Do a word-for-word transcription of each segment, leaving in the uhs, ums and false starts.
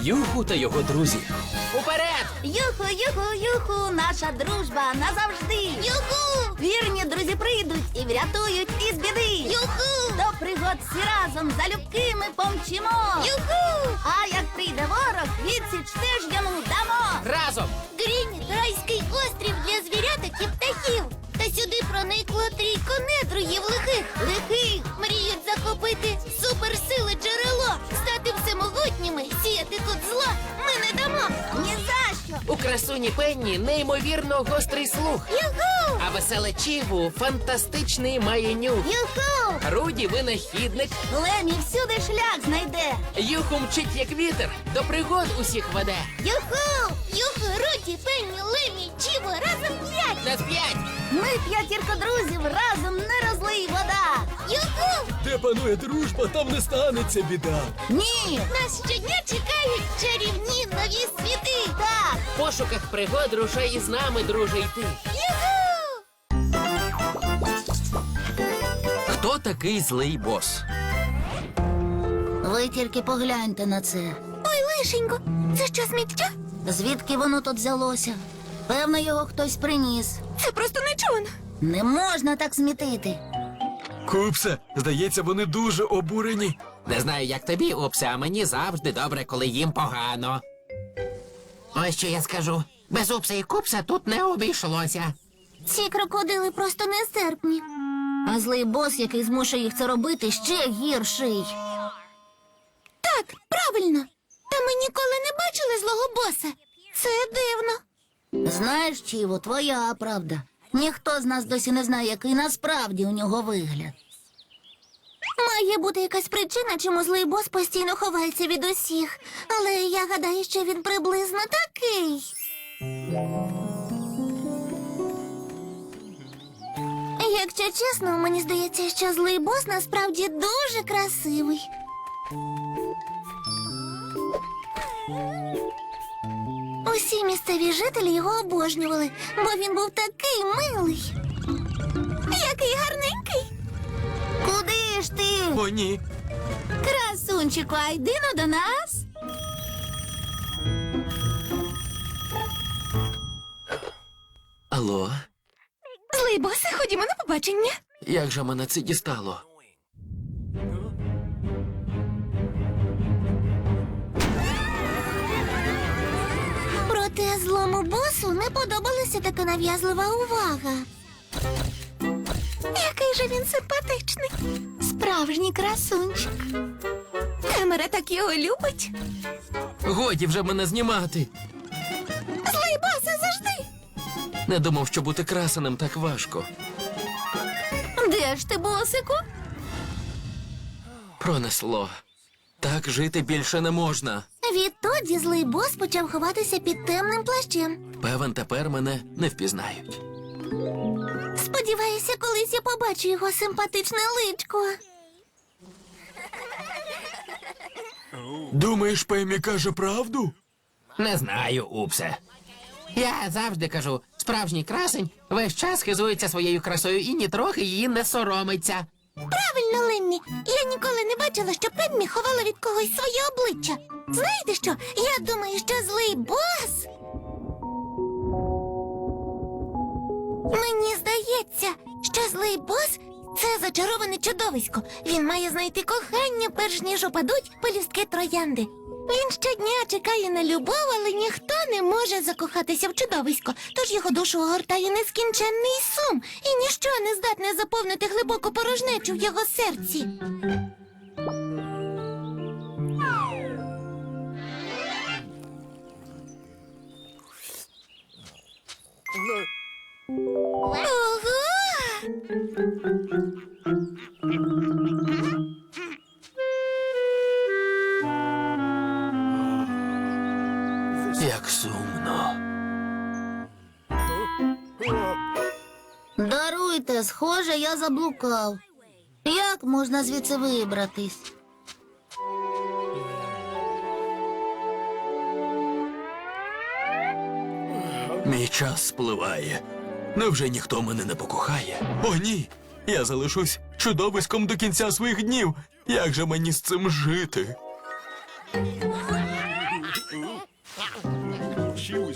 Юху та його друзі. Уперед! Юху, юху, юху, наша дружба назавжди. Юху! Вірні друзі прийдуть і врятують із біди. Юху! До пригод всі разом залюбки ми помчимо. Юху! А як прийде ворог, відсіч теж йому дамо. Разом! Грінь – райський острів для звіряток і птахів. Та сюди проникло трійко недругів лихих. Лихих мріють захопити суперсили джерело, стати всемогутніми, сіяти тут зло ми не дамо. Ні за що. У красуні Пенні неймовірно гострий слух. Юху! А веселе Чіву фантастичний має нюх. Юху! Руді винахідник. Лемі всюди шлях знайде. Юху мчить як вітер, до пригод усіх веде. Юху! Юху, Руді, Пенні, Лемі, Чіво, разом п'ять. На п'ять! Ми п'ятірка друзів, разом не розлий вода. Юху! Де панує дружба, там не станеться біда. Ні! Нас щодня чекають чарівні нові світи. Так! В пошуках пригод рушай із нами, друже, йти. Юху! Хто такий злий бос? Ви тільки погляньте на це. Ой, лишенько, це що, сміття? Звідки воно тут взялося? Певно, його хтось приніс. Це просто нечувано. Не можна так смітити. Купсе, здається, вони дуже обурені. Не знаю, як тобі, Упсе, а мені завжди добре, коли їм погано. Ось що я скажу. Без Упса і Купса тут не обійшлося. Ці крокодили просто нестерпні. А злий бос, який змушує їх це робити, ще гірший. Так, правильно. Та ми ніколи не бачили злого боса. Це дивно. Знаєш, Чіво, твоя правда. Ніхто з нас досі не знає, який насправді у нього вигляд. Має бути якась причина, чому злий бос постійно ховається від усіх. Але я гадаю, що він приблизно такий. Якщо чесно, мені здається, що злий бос насправді дуже красивий. Усі місцеві жителі його обожнювали, бо він був такий милий. Який гарненький. Куди ж ти? О, ні. Красунчику, а йди ну до нас. Алло, Злий босе, ходімо на побачення. як же мене це дістало? Проте злому босу не подобалася така нав'язлива увага. Який же він симпатичний. Справжній красунчик. Камера так його любить. Годі вже мене знімати. Злий босе, завжди. Не думав, що бути красеним так важко. Де ж ти, босику? Пронесло. Так жити більше не можна. Відтоді злий бос почав ховатися під темним плащем. Певен, тепер мене не впізнають. Сподіваюся, колись я побачу його симпатичне личко. Думаєш, Пемі каже правду? Не знаю, Упсе. Я завжди кажу, справжній красень весь час хизується своєю красою і нітрохи її не соромиться. Правильно, Леммі. Я ніколи не бачила, що Пеммі ховала від когось своє обличчя. Знаєте що? Я думаю, що злий бос... Мені здається, що злий бос – це зачароване чудовисько. Він має знайти кохання, перш ніж опадуть пелюстки троянди. Він щодня чекає на любов, але ніхто не може закохатися в чудовисько, тож його душу огортає нескінченний сум, і ніщо не здатне заповнити глибоку порожнечу в його серці. Ого! Як сумно. Даруйте, схоже, я заблукав. Як можна звідси вибратись? Мій час спливає. Невже ніхто мене не покохає? О, ні! Я залишусь чудовиськом до кінця своїх днів. Як же мені з цим жити?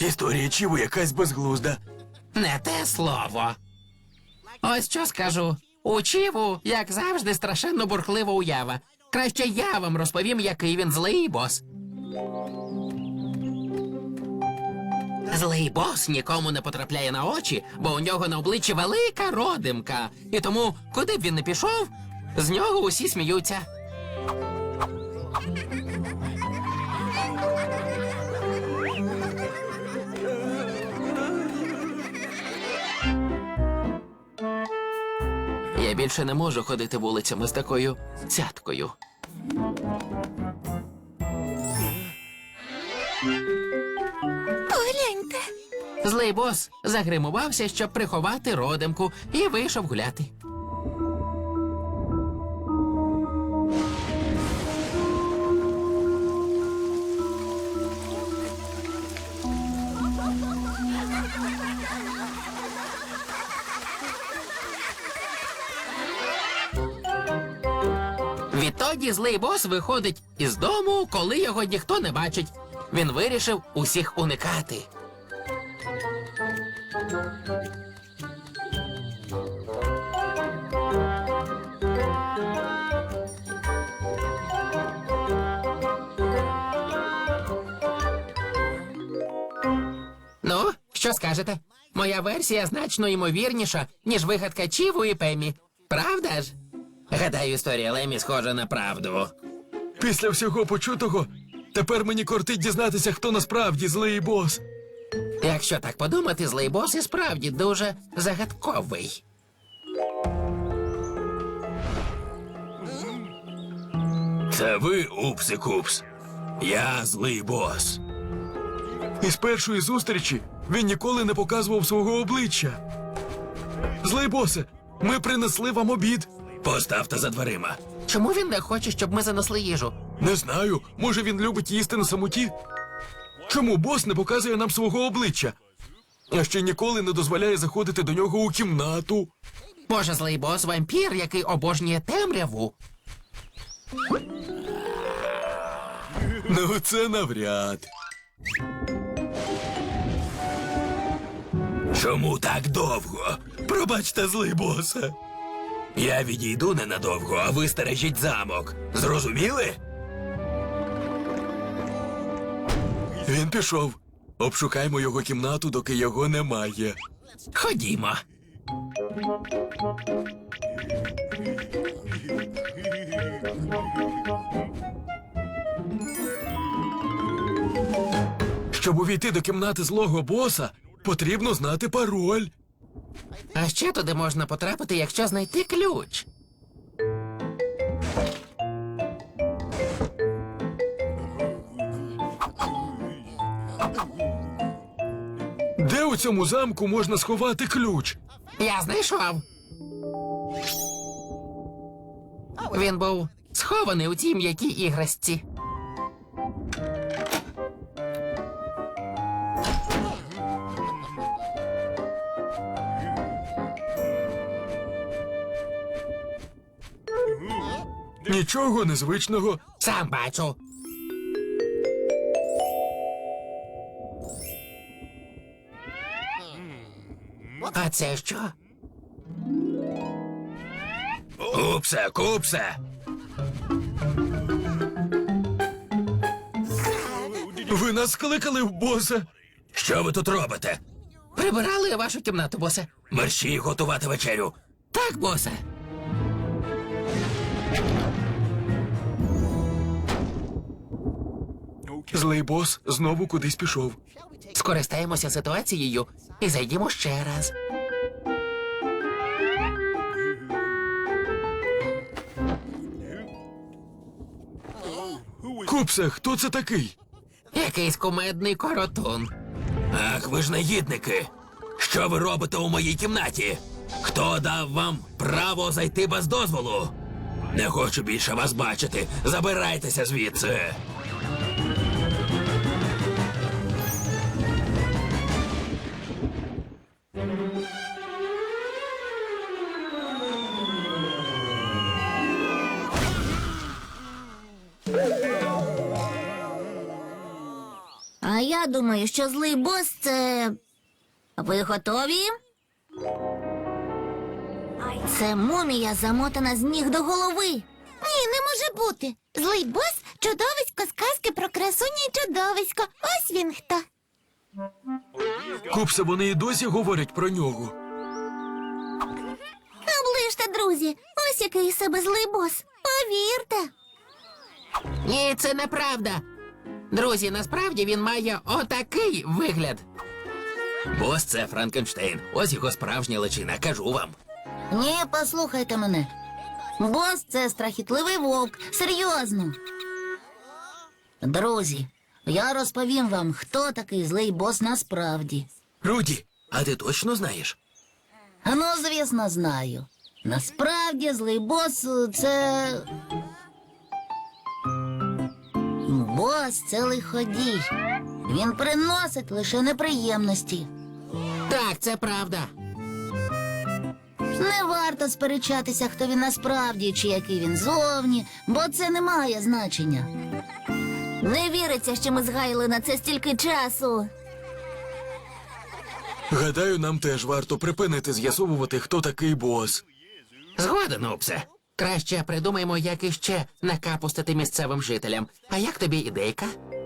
Історія Чіву якась безглузда. Не те слово. Ось що скажу. У Чіву, як завжди, страшенно бурхлива уява. Краще я вам розповім, який він злий бос. Злий бос нікому не потрапляє на очі, бо у нього на обличчі велика родимка. І тому, куди б він не пішов, з нього усі сміються. Я більше не можу ходити вулицями з такою цяткою. Погляньте. Злий бос загримувався, щоб приховати родимку, і вийшов гуляти. Відтоді злий бос виходить із дому, коли його ніхто не бачить. Він вирішив усіх уникати. Ну, що скажете? Моя версія значно ймовірніша, ніж вигадка Чіву і Пеммі. Правда ж? Гадаю, історія Лемі схожа на правду. Після всього почутого, тепер мені кортить дізнатися, хто насправді злий бос. Якщо так подумати, злий бос і справді дуже загадковий. Це ви, Упси-Купс. Я злий бос. Із першої зустрічі він ніколи не показував свого обличчя. Злий босе, ми принесли вам обід. Поставте за дверима. Чому він не хоче, щоб ми занесли їжу? Не знаю, може він любить їсти на самоті? Чому бос не показує нам свого обличчя? А ще ніколи не дозволяє заходити до нього у кімнату. Може, злий бос вампір, який обожнює темряву? Ну, це навряд. Чому так довго? Пробачте, злий босе. Я відійду ненадовго, а ви стережіть замок. Зрозуміли? Він пішов. Обшукаймо його кімнату, доки його немає. Ходімо. Щоб увійти до кімнати злого боса, потрібно знати пароль. А ще туди можна потрапити, якщо знайти ключ. Де у цьому замку можна сховати ключ? Я знайшов. Він був схований у тій м'якій іграшці. Нічого незвичного. Сам бачу. А це що? Купсе, купсе. Ви нас кликали в боса. Що ви тут робите? Прибирали вашу кімнату, босе. Мерщій готувати вечерю. Так, босе. Злий бос знову кудись пішов. Скористаємося ситуацією і зайдімо ще раз. Купсе, хто це такий? Якийсь кумедний коротун. Ах, ви ж негідники. Що ви робите у моїй кімнаті? Хто дав вам право зайти без дозволу? Не хочу більше вас бачити. Забирайтеся звідси. А я думаю, що злий бос це. Ви готові? Це мумія, замотана з ніг до голови. Ні, не може бути. Злий бос — чудовисько з казки про красуню і чудовисько. Ось він хто. Купсе, вони і досі говорять про нього. Оближте, друзі. Ось який із себе злий бос. Повірте. Ні, це неправда. Друзі, насправді він має отакий вигляд. Бос це Франкенштейн. Ось його справжня личина, кажу вам. Ні, послухайте мене. Бос — це страхітливий вовк. Серйозно. Друзі, я розповім вам, хто такий злий бос насправді. Руді, а ти точно знаєш? Ну, звісно, знаю. Насправді злий бос — це. Бос — це лиходій. Він приносить лише неприємності. Так, це правда. Не варто сперечатися, хто він насправді чи який він зовні, бо це не має значення. Не віриться, що ми згаяли на це стільки часу. Гадаю, нам теж варто припинити з'ясовувати, хто такий бос. Згоден, Упсе. Краще придумаємо, як іще накапустити місцевим жителям. А як тобі ідейка?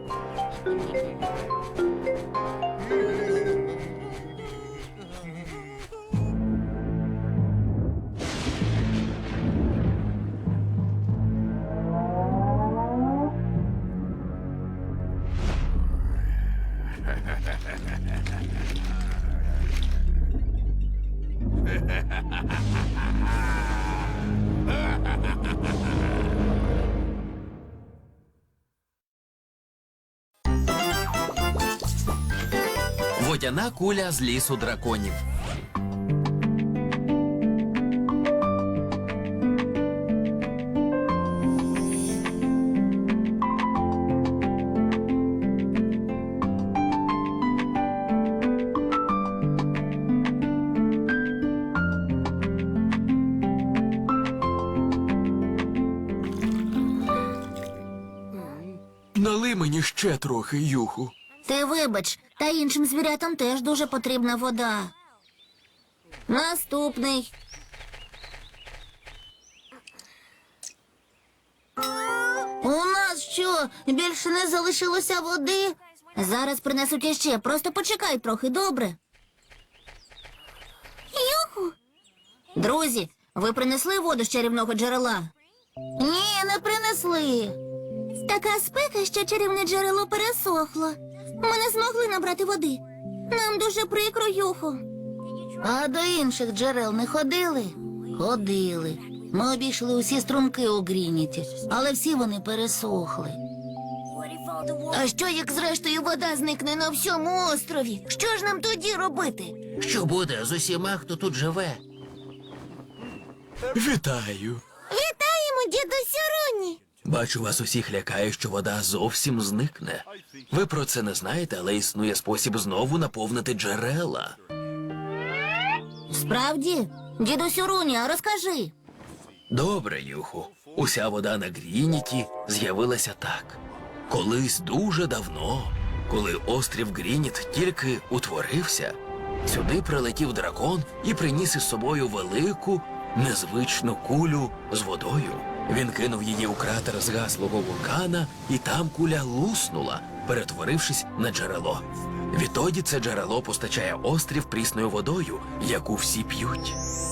Водяна куля з лісу драконів. Налий мені ще трохи, Юху. Ти вибач, та іншим звірятам теж дуже потрібна вода. Наступний. У нас що, більше не залишилося води? Зараз принесуть іще, просто почекай трохи, добре? Юху! Друзі, ви принесли воду з чарівного джерела? Ні, не принесли. Така спека, що чарівне джерело пересохло. Ми не змогли набрати води. Нам дуже прикро, Юху. А до інших джерел не ходили? Ходили. Ми обійшли усі струмки у Грініті, але всі вони пересохли. А що, як зрештою вода зникне на всьому острові? Що ж нам тоді робити? Що буде з усіма, хто тут живе? Вітаю. Вітаємо, дідусю Руні! Бачу, вас усіх лякає, що вода зовсім зникне. Ви про це не знаєте, але існує спосіб знову наповнити джерела. Справді? Дідусю Руні, а розкажи. Добре, Юху. Уся вода на Грініті з'явилася так. Колись дуже давно, коли острів Грініт тільки утворився, сюди прилетів дракон і приніс із собою велику, незвичну кулю з водою. Він кинув її у кратер згаслого вулкана, і там куля луснула, перетворившись на джерело. Відтоді це джерело постачає острів прісною водою, яку всі п'ють.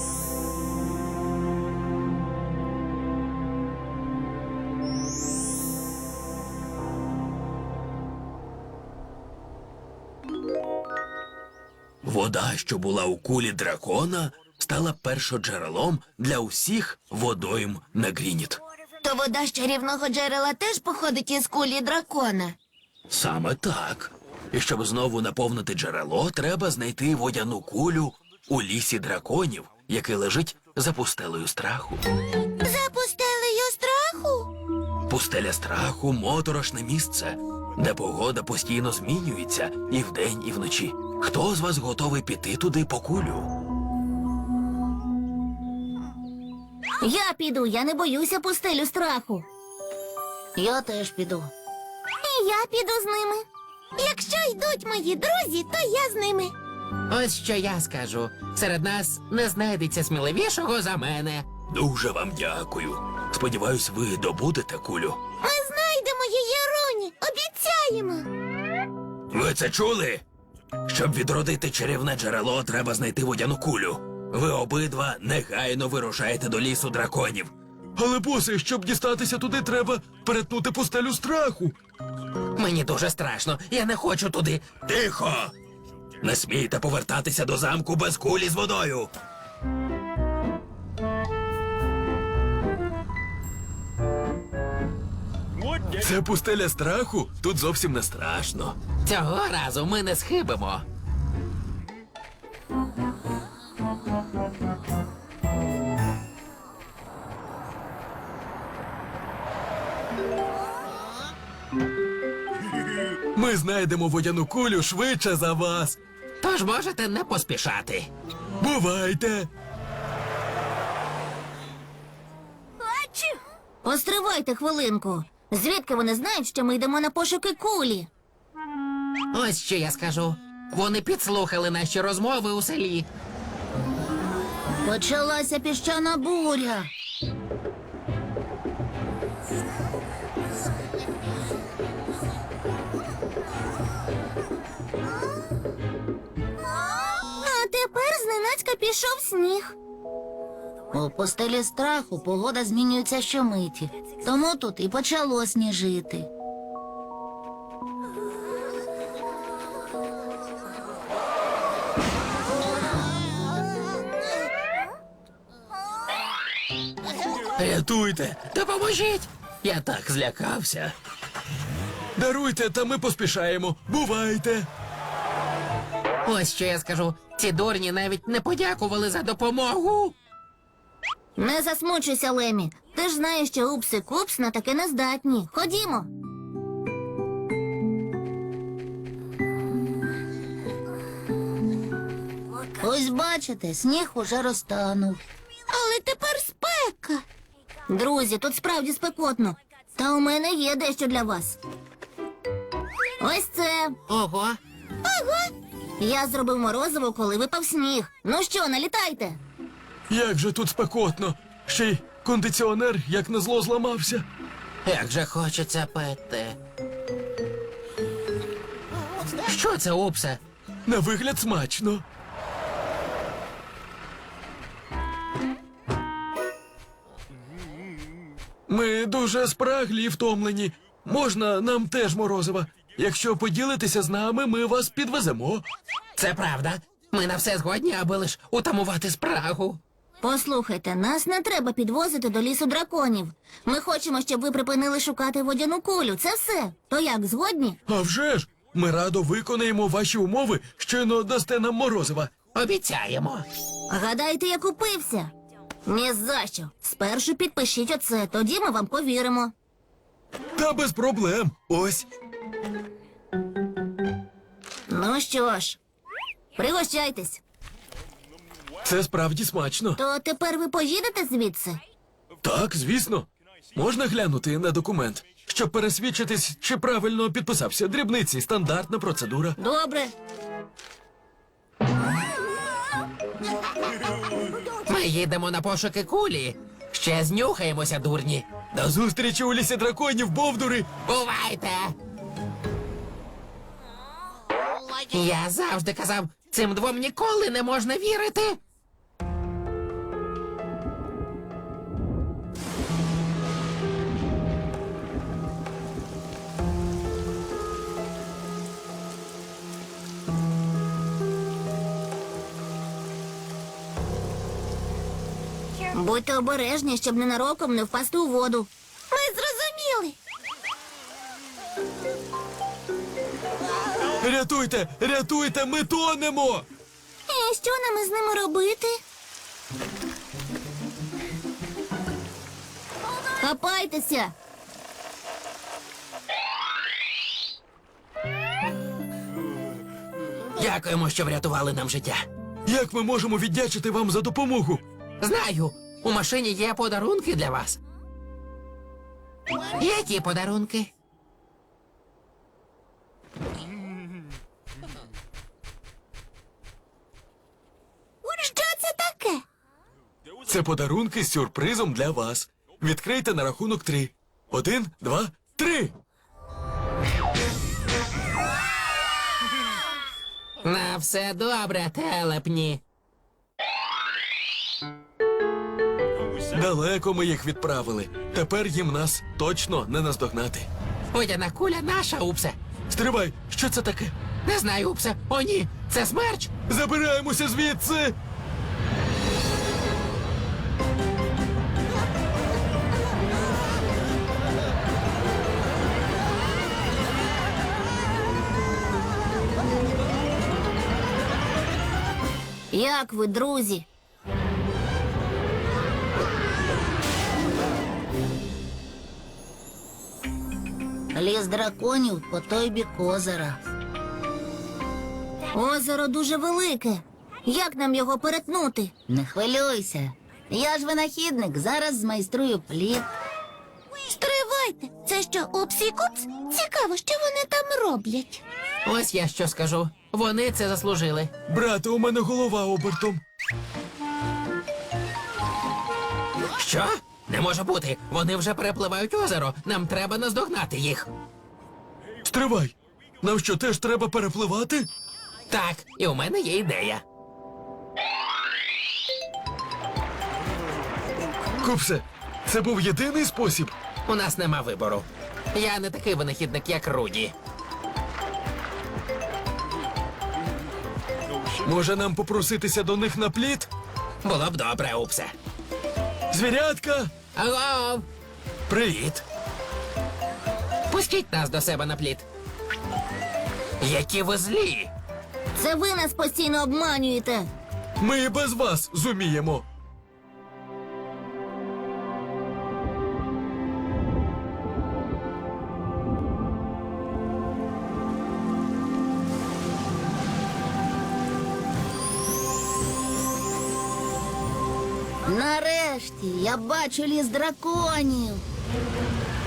Вода, що була у кулі дракона, стала першоджерелом для усіх водойм на Грініт. То вода з чарівного джерела теж походить із кулі дракона. Саме так. І щоб знову наповнити джерело, треба знайти водяну кулю у лісі драконів, який лежить за пустелею страху. За пустелею страху? Пустеля страху – моторошне місце, де погода постійно змінюється і вдень, і вночі. Хто з вас готовий піти туди по кулю? Я піду, я не боюся пустелю страху. Я теж піду. І я піду з ними. Якщо йдуть мої друзі, то я з ними. Ось що я скажу. Серед нас не знайдеться сміливішого за мене. Дуже вам дякую. Сподіваюсь, ви добудете кулю. Ми знайдемо її, Роні, обіцяємо. Ви це чули? Щоб відродити чарівне джерело, треба знайти водяну кулю. Ви обидва негайно вирушаєте до лісу драконів. Але, босе, щоб дістатися туди, треба перетнути пустелю страху. Мені дуже страшно. Я не хочу туди. Тихо! Не смійте повертатися до замку без кулі з водою. Це пустеля страху? Тут зовсім не страшно. Цього разу ми не схибимо. Ми знайдемо водяну кулю швидше за вас. Тож можете не поспішати. Бувайте! Постривайте хвилинку. Звідки вони знають, що ми йдемо на пошуки кулі? Ось що я скажу. Вони підслухали наші розмови у селі. Почалася піщана буря. А тепер зненацька пішов сніг. У постелі страху погода змінюється щомиті, тому тут і почало сніжити. Рятуйте! Допоможіть! Я так злякався. Даруйте, та ми поспішаємо. Бувайте! Ось що я скажу. Ці дурні навіть не подякували за допомогу. Не засмучуйся, Лемі. Ти ж знаєш, що Упс і Купс на таке не здатні. Ходімо. Ось бачите, сніг уже розтанув. Але тепер спека. Друзі, тут справді спекотно. Та у мене є дещо для вас. Ось це. Ого. Я зробив морозиво, коли випав сніг. Ну що, налітайте. Як же тут спекотно. Ще й кондиціонер, як назло, зламався. Як же хочеться пити. Що це, Упсе? На вигляд смачно. Ми дуже спраглі і втомлені. Можна нам теж морозива. Якщо поділитеся з нами, ми вас підвеземо. Це правда. Ми на все згодні, аби лиш утамувати спрагу. Послухайте, нас не треба підвозити до лісу драконів. Ми хочемо, щоб ви припинили шукати водяну кулю. Це все. То як, згодні? А вже ж! Ми радо виконаємо ваші умови, щойно дасте нам морозива. Обіцяємо. Гадаєте, я купився? Ні за що. Спершу підпишіть оце, тоді ми вам повіримо. Та без проблем. Ось. Ну що ж, пригощайтесь. Це справді смачно. То тепер ви поїдете звідси? Так, звісно. Можна глянути на документ, щоб пересвідчитись, чи правильно підписався. Дрібниці, стандартна процедура. Добре. Ми їдемо на пошуки кулі. Ще знюхаємося, дурні. До зустрічі у лісі драконів, бовдури! Бувайте! Я завжди казав, цим двом ніколи не можна вірити. Будьте обережні, щоб ненароком не впасти у воду. Ми зрозуміли. Рятуйте! Рятуйте! Ми тонемо! І що нам із ними робити? Хапайтеся. Дякуємо, що врятували нам життя. Як ми можемо віддячити вам за допомогу? Знаю, у машині є подарунки для вас. Які подарунки? Це подарунки з сюрпризом для вас. Відкрийте на рахунок три. Один, два, три. На все добре, телепні. Далеко ми їх відправили. Тепер їм нас точно не наздогнати. Водяна куля наша, Упсе. Стривай, що це таке? Не знаю, Упсе. О, ні, це смерч. Забираємося звідси! Як ви, друзі? Ліс драконів по той бік озера. Озеро дуже велике. Як нам його перетнути? Не хвилюйся. Я ж винахідник, зараз змайструю плід. Стривайте! Це що, Упсі Купс? Цікаво, що вони там роблять. Ось я що скажу. Вони це заслужили. Брате, у мене голова обертом. Що? Не може бути. Вони вже перепливають озеро. Нам треба наздогнати їх. Стривай! Нам що, теж треба перепливати? Так, і у мене є ідея. Купсе, це був єдиний спосіб. У нас нема вибору. Я не такий винахідник, як Руді. Може нам попроситися до них на плід? Було б добре, Упсе. Звірятка! Алло! Привіт! Пустіть нас до себе на плід. Які ви злі! Це ви нас постійно обманюєте. Ми і без вас зуміємо. Нарешті я бачу ліс драконів.